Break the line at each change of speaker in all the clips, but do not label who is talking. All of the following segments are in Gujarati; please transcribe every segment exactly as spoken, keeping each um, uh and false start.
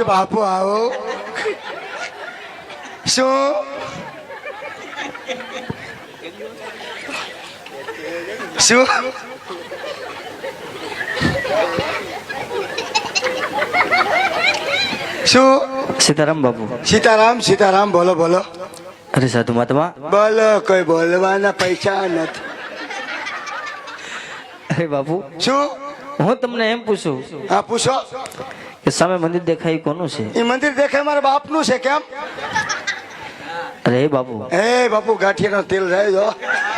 બાપુ આવો શું શું શું
સીતારામ બાપુ.
સીતારામ સીતારામ બોલો બોલો.
અરે સાધુ મહાત્મા.
બોલો કોઈ બોલવાના પૈસા નથી.
અરે બાપુ
શું
હું તમને એમ પૂછું
હા પૂછો.
કે સામે મંદિર દેખાય એ કોનું છે?
એ મંદિર દેખાય મારા બાપનું છે. કેમ?
અરે એ બાપુ.
એ બાપુ ગાંઠિયાનો તેલ જાય જો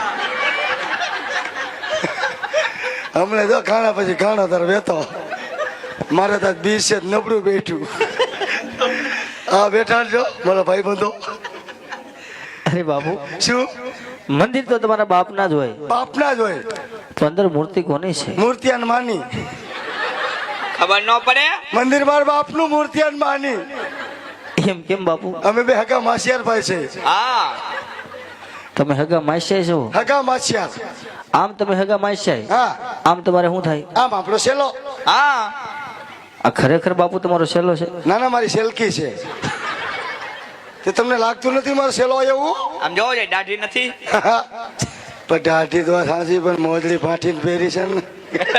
હમણાં જો ખાણા પછી ખાણો તાર વેતો મારે તો બીસ છે નબળું બેઠું. હા બેઠા છો મારા ભાઈ બંધો.
અરે બાપુ
શું
મંદિર તો તમારા બાપના જ હોય.
બાપના જ હોય
તો અંદર મૂર્તિ કોની છે?
મૂર્તિયાન માની.
ખબર ન પડે.
મંદિર મારા બાપનું મૂર્તિયાન માની.
એમ કેમ બાપુ?
અમે બે હગા માસિયાર ભાઈ છે.
હા
તમે હગા માસ્યા છો?
હગા માસિયાર.
આમ તમે હગા માસ્યા,
હા
આમ તમારે શું થાય?
આમ આપણો સેલો.
હા
આ ખરેખર બાપુ તમારો સેલો છે?
ના ના મારી સેલકી છે. તે તમને લાગતું નથી મારો સેલો એવું?
આમ જોવો છે દાઢી નથી.
પણ દાઢી તો સાચી પણ મોજડી ફાટીને પહેરી છે ને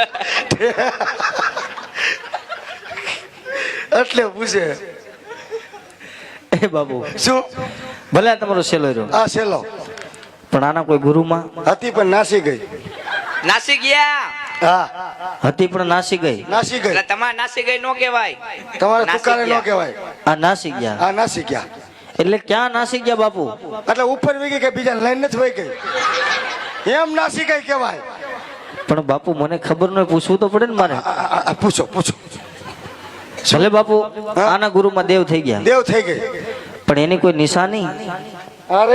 એટલે પૂછે.
એ બાપુ
શું
ભલે આ તમારો સેલો રહ્યો,
આ સેલો
પણ આના કોઈ ગુરુમાં
હતી પણ નાસી ગઈ.
નાસી ગયા.
હા
હતી પણ નાસી ગઈ.
નાસી ગઈ.
એટલે તમારે નાસી ગઈ નો કહેવાય.
તમારે
નાસી
તુકારે ન
ગયા.
કહેવાય.
આ નાસી ગયા.
આ નાસી ગયા
એટલે ક્યાં નાસી ગયા બાપુ?
એટલે ઉપર વી ગઈ કે બીજા લાઈન નથી વહી ગઈ એમ નાસી ગઈ કહેવાય.
પણ બાપુ મને ખબર ન હોય, પૂછવું તો પડે ને મારે.
આ, આ, આ, પૂછો પૂછો.
ભલે બાપુ આના ગુરુમાં દેવ થઈ ગયા,
દેવ થઈ ગઈ
પણ એની કોઈ નિશાની?
અરે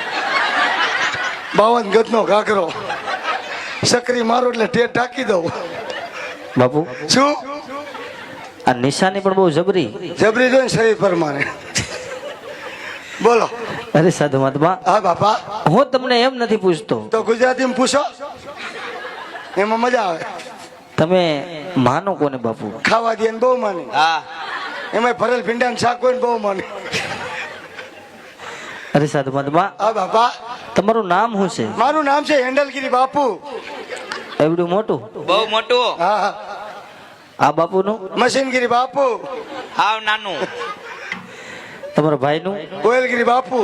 બાવન ગજનો ઘાઘરો સકરી મારો એટલે ટેટ ઢાંકી દઉં.
બાપુ
શું
આ નિશાની પણ બહુ જબરી.
જબરી જોઈને શરીર પ્રમાણે બોલો.
અરે સાધુ મહાત્મા,
હા બાપા
હું તમને એમ નથી પૂછતો,
તો ગુજરાતીમાં પૂછો એમાં મજા આવે.
તમે માનો કોને બાપુ?
ખાવા દે ને બહુ માને.
હા
એમાં ભરેલ ભીંડાનું શાક હોય ને બહુ માને.
અરે સાધુ મહાત્મા,
હા બાપા
તમારું નામ શું છે?
મારું નામ છે હેન્ડલગીરી બાપુ.
એવડું મોટું?
બહુ મોટું.
હા હા
આ બાપુનું?
મશીનગીરી બાપુ.
હાવ નાનું.
તમારા ભાઈનું?
કોયલગીરી બાપુ.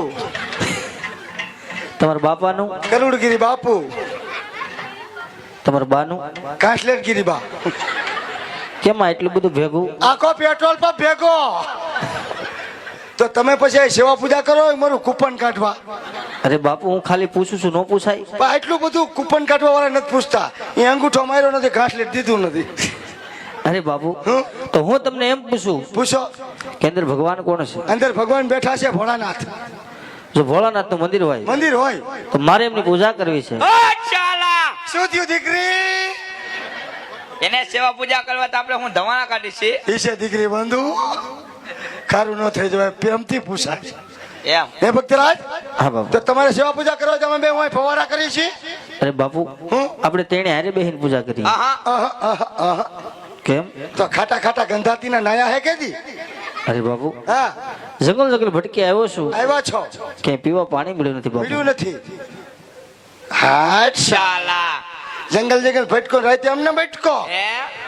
તમારા બાપાનું?
કરુડગીરી બાપુ.
તમારા બાનું?
કાંસલેટગીરી બા.
કેમ આ એટલું બધું ભેગું?
આખો પેટ્રોલ પંપ ભેગો. તો તમે પછી સેવા પૂજા કરો મારું કૂપન કાઢવા.
અરે બાપુ હું ખાલી પૂછું છું, ન પૂછાય?
પણ એટલું બધું કૂપન કાઢવા વાળા નથી પૂછતા. એ અંગૂઠો માર્યો નથી, ઘાસલેટ દીધું નથી.
અરે બાપુ
હું
તો હું તમને એમ પૂછું
પૂછો.
કે અંદર ભગવાન કોણ છે?
અંદર ભગવાન બેઠા છે ભોળાનાથ.
જો ભોળાનાથ નું મંદિર હોય
મંદિર હોય
તો મારે એમની પૂજા કરવી છે.
ઓ ચાલા.
શું થયું દીકરી?
એને સેવા પૂજા કરવા તો આપણે હું ધવાણા કાઢી છે.
ઈ છે દીકરી બંધુ. ખારું ન થઈ જવાય પ્રેમથી પૂછાય.
એમ
હે ભક્તરાજ,
હા બાપુ.
તો તમારે સેવા પૂજા કરવા તમે બે હું ફવારા કરી છે.
અરે બાપુ
હું
આપણે તેણે હારે બેહીને પૂજા કરી.
હા હા
આહા, આહા, આહા.
કેમ?
તો ખાટા ખાટા ગંધાતીના નાયા હે કેદી?
અરે બાપુ
હા
જંગલ જંગલ ભટકી આવ્યો છું,
આવ્યા છો.
ક્યાંય પીવા પાણી મળ્યું નથી બાપુ.
પીડ્યું નથી. હા
ચાલા.
જંગલ જંગલ ભટકો રાતે અમને ભટકો.
હે